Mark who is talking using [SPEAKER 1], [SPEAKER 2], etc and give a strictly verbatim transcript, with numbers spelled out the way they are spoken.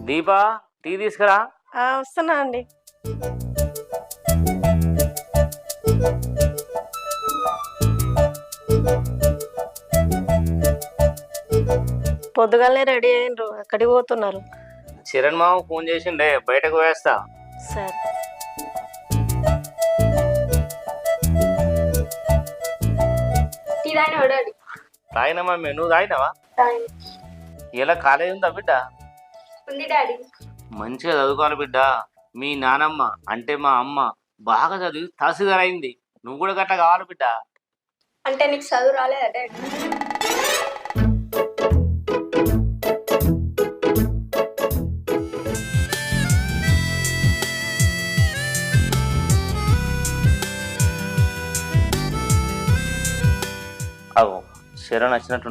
[SPEAKER 1] Deepa tea తీసుకురా.
[SPEAKER 2] ఆ, వస్తున్నా అండి. పొద్దుగాలనే రెడీ అయ్యిండ్రు, ఎక్కడికి పోతున్నారు?
[SPEAKER 1] చిరణ్ మామ ఫోన్ చేసిండే, బయటకు వేస్తా.
[SPEAKER 2] సరే.
[SPEAKER 1] తాగినా మమ్మీ, నువ్వు తాగినావా? ఇలా కాలేజ్ ఉందా బిడ్డ?
[SPEAKER 3] ఉంది డాడీ.
[SPEAKER 1] మంచిగా చదువుకోవాలి బిడ్డ. మీ నానమ్మ అంటే మా అమ్మ బాగా చదివి తహసీల్దార్ అయింది, నువ్వు కూడా గట్లా కావాలి బిడ్డ.
[SPEAKER 3] అంటే నీకు చదువు రాలేదా డాడీ?
[SPEAKER 1] అగో శరణ్ వచ్చినట్టు